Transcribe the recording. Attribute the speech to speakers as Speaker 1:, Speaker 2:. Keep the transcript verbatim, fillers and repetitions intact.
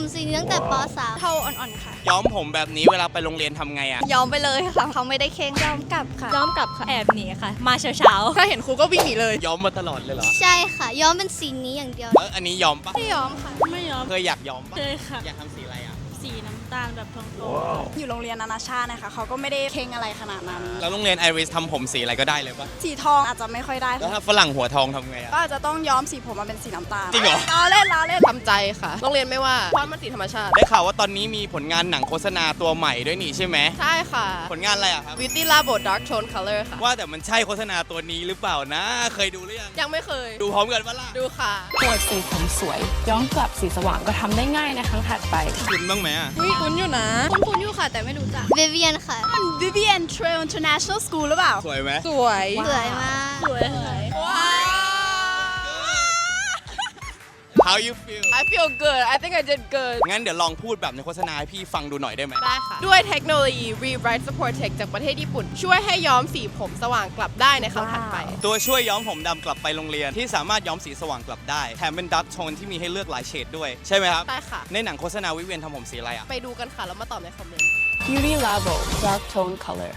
Speaker 1: สีนี้ตั้งแต่ป .สาม
Speaker 2: เทาอ่อนๆค่ะ
Speaker 3: ย้อมผมแบบนี้เวลาไปโรงเรียนทำไงอะ
Speaker 2: ย้อมไปเลยค่ะเขาไม่ได้เค้งย้อมกลับค่ะ
Speaker 4: ย้อมกลับค่ะแอบหนีค่ะ มาเช้าๆ
Speaker 2: ถ้าเห็นครูก็วิ่งหนีเลย
Speaker 3: ย้อมมาตลอดเลยเหรอ
Speaker 1: ใช่ค่ะ ย้อมเป็นสีนี้อย่างเดียว
Speaker 3: เอออันนี้ย้อมปะ
Speaker 2: ไม่ย้อมค่ะ
Speaker 4: ไม่ย้อม
Speaker 3: เคยอยากย้อมปะ
Speaker 4: เคยค่ะ
Speaker 3: อยากทำสีอะไรอะ
Speaker 4: สีน้ำตาลแบบทอง
Speaker 2: อยู่โรงเรียนนานาชาตินะคะเขาก็ไม่ได้เค้งอะไรขนาดนั้น
Speaker 3: แล้วโรงเรียนไอริสทำผมสีอะไรก็ได้เลยปะ
Speaker 2: สีทองอาจจะไม่ค่อยได้
Speaker 3: แล้วถ้าฝรั่งหัวทองทำไงอะ
Speaker 2: ก็อาจจะต้องย้อมสีผมมาเป็นสีน้ำตาล
Speaker 3: จริงเหรอ
Speaker 2: ล้อเล่นล้อเล่น
Speaker 5: ทำใจค่ะ โรงเรียนไม่ว่าเพราะมันสีธรรมชาติ
Speaker 3: ได้ข่าวว่าตอนนี้มีผลงานหนังโฆษณาตัวใหม่ด้วยนี่ใช่ไหม
Speaker 5: ใช่ค่ะ
Speaker 3: ผลงานอะไรอะครับ
Speaker 5: Beauty Labo Dark Tone Color ค่ะ
Speaker 3: ว่าแต่มันใช่โฆษณาตัวนี้หรือเปล่านะ เคยดูหรือยัง
Speaker 5: ยังไม่เคย
Speaker 3: ดูพร้อมกันปะล่ะ
Speaker 5: ดูค่ะ
Speaker 6: ปวดสีผมสวย ย้อมกลับสีสว่างก็ทำได้ง่ายในครั้งถัดไป
Speaker 3: คุณบ้างไหมอะ
Speaker 2: อุ้ยคุ้นอยู่นะคุ้นๆอยู่ค่ะแต่ไม่รู้จัก
Speaker 1: วิเวียนค่ะ
Speaker 2: มัน Vivian Trail International School หรือเปล่า
Speaker 3: สวยไหม
Speaker 2: สวย
Speaker 1: สวยมาก
Speaker 4: ๆสวยค่ะ
Speaker 2: ว้าว
Speaker 3: How you feel
Speaker 5: I feel good I think I did good
Speaker 3: งั้นเดี๋ยวลองพูดแบบในโฆษณาให้พี่ฟังดูหน่อยได้ไหม
Speaker 5: ได้ค่ะ ด้วยเทคโนโลยี Rewrite Support Tech จากประเทศญี่ปุ่น ช่วยให้ย้อมสีผมสว่างกลับได้ในครั้งถัดไป
Speaker 3: ตัวช่วยย้อมผมดำกลับไปโรงเรียนที่สามารถย้อมสีสว่างกลับได้แถมเป็นดักโทนที่มีให้เลือกหลายเฉดด้วยใช่ไหมครับ
Speaker 5: ได้ค่ะ
Speaker 3: ในหนังโฆษณาวิเวียนทำผมสีอะไรอะ
Speaker 5: ไปดูกันค่ะ แล้วมาตอบในคอมเมนต์
Speaker 6: Beauty Labo Dark Tone Color